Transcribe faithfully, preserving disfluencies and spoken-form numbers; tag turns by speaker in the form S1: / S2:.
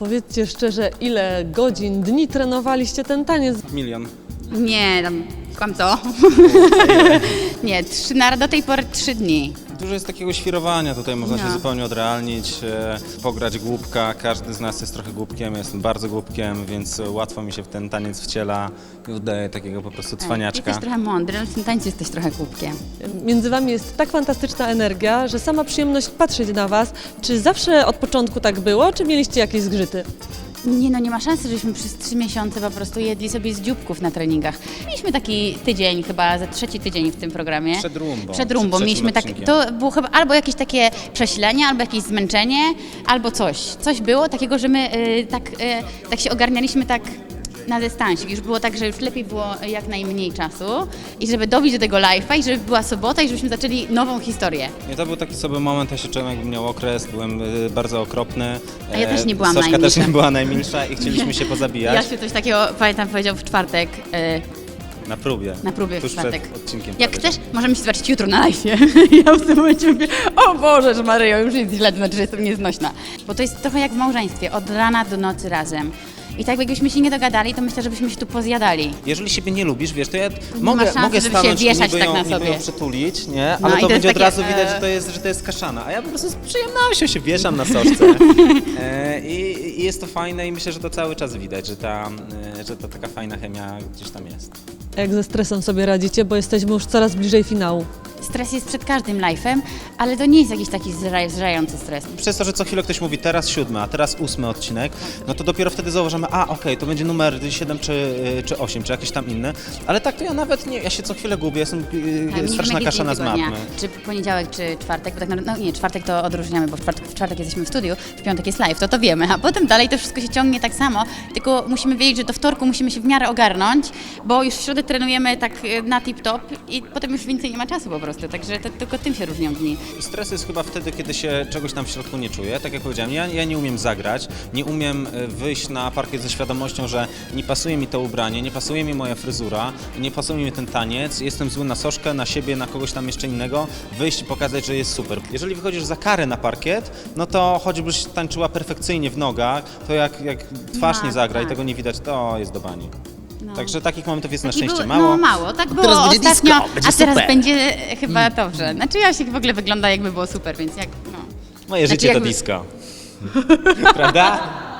S1: Powiedzcie szczerze, ile godzin, dni trenowaliście ten taniec?
S2: Milion.
S3: Nie, tam kłamco. Nie, trzy, na, do tej pory trzy dni.
S2: Dużo jest takiego świrowania, tutaj można
S3: No.
S2: się zupełnie odrealnić, e, pograć głupka. Każdy z nas jest trochę głupkiem, ja jestem bardzo głupkiem, więc łatwo mi się w ten taniec wciela i udaje takiego po prostu cwaniaczka.
S3: Jesteś trochę mądry, ale w tym tańcu jesteś trochę głupkiem.
S1: Między wami jest tak fantastyczna energia, że sama przyjemność patrzeć na was. Czy zawsze od początku tak było, czy mieliście jakieś zgrzyty?
S3: Nie no, nie ma szansy, żebyśmy przez trzy miesiące po prostu jedli sobie z dzióbków na treningach. Mieliśmy taki tydzień, chyba za trzeci tydzień w tym programie.
S2: Przed rumbą.
S3: Przed rumbą.
S2: Przed
S3: Mieliśmy tak,
S2: odcinkiem.
S3: to było chyba albo jakieś takie przesilenie, albo jakieś zmęczenie, albo coś. Coś było takiego, że my y, tak, y, tak się ogarnialiśmy tak na dystansie. Już było tak, że już lepiej było jak najmniej czasu i żeby dobić do tego live'a i żeby była sobota i żebyśmy zaczęli nową historię.
S2: I to był taki sobie moment, ja się czułem, jakbym miał okres, byłem y, bardzo okropny.
S3: A ja też nie byłam
S2: Sośka
S3: najmilsza.
S2: też nie była najmilsza i chcieliśmy się pozabijać.
S3: Ja się coś takiego, pamiętam, powiedział w czwartek, y,
S2: Na próbie.
S3: na próbie w
S2: Tuż
S3: czwartek.
S2: przed odcinkiem.
S3: Jak
S2: powiedział.
S3: chcesz, możemy się zobaczyć jutro na live'ie. Ja w tym momencie mówię, o Boże, że Maryjo, już jest źle, to znaczy, że jestem nieznośna. Bo to jest trochę jak w małżeństwie, od rana do nocy razem. I tak jakbyśmy się nie dogadali, to myślę, że byśmy się tu pozjadali.
S2: Jeżeli siebie nie lubisz, wiesz, to ja mogę,
S3: szansy,
S2: mogę
S3: żeby się
S2: stanąć i
S3: wieszać
S2: niby
S3: tak
S2: ją,
S3: na
S2: niby
S3: sobie.
S2: ją przytulić, nie?
S3: No
S2: Ale
S3: i
S2: to
S3: to
S2: będzie
S3: jest
S2: od razu
S3: takie,
S2: widać,
S3: e,
S2: że to jest, że to jest kaszana. A ja po prostu z przyjemnością się wieszam na soczce. E, i, I jest to fajne i myślę, że to cały czas widać, że ta, e, że ta taka fajna chemia gdzieś tam jest.
S1: Jak ze stresem sobie radzicie, bo jesteśmy już coraz bliżej finału?
S3: Stres jest przed każdym live'em, ale to nie jest jakiś taki zra- zżerający stres.
S2: Przez to, że co chwilę ktoś mówi teraz siódmy, a teraz ósmy odcinek, no to dopiero wtedy zauważamy, a okej, to będzie numer siedem czy, czy osiem, czy jakiś tam inny. Ale tak to ja nawet nie, ja się co chwilę gubię, jestem
S3: Tak,
S2: yy, straszna
S3: nie
S2: kaszana z
S3: tygodnia,
S2: matmy.
S3: czy poniedziałek, czy czwartek, bo tak naprawdę, no nie, czwartek to odróżniamy, bo w czwartek, w czwartek jesteśmy w studiu, w piątek jest live, to to wiemy, a potem dalej to wszystko się ciągnie tak samo, tylko musimy wiedzieć, że do wtorku musimy się w miarę ogarnąć, bo już w środę trenujemy tak y, na tip-top i potem już więcej nie ma czasu po prostu, także to, tylko tym się różnią dni.
S2: Stres jest chyba wtedy, kiedy się czegoś tam w środku nie czuję. Tak jak powiedziałem, ja, ja nie umiem zagrać, nie umiem e, wyjść na parkiet ze świadomością, że nie pasuje mi to ubranie, nie pasuje mi moja fryzura, nie pasuje mi ten taniec, jestem zły na Soszkę, na siebie, na kogoś tam jeszcze innego, wyjść i pokazać, że jest super. Jeżeli wychodzisz za karę na parkiet, no to choćbyś tańczyła perfekcyjnie w nogach, to jak, jak twarz
S3: No,
S2: nie zagra i
S3: tak.
S2: tego nie widać, to jest do bani.
S3: No.
S2: Także takich momentów jest na
S3: Taki
S2: szczęście
S3: był-
S2: mało.
S3: No mało, tak było
S2: teraz będzie
S3: ostatnio,
S2: disco, będzie
S3: a teraz
S2: super.
S3: będzie e, chyba dobrze. Znaczy ja się w ogóle wygląda jakby było super, więc jak, no.
S2: Moje
S3: Znaczy
S2: życie to
S3: jakby-
S2: disco. Prawda?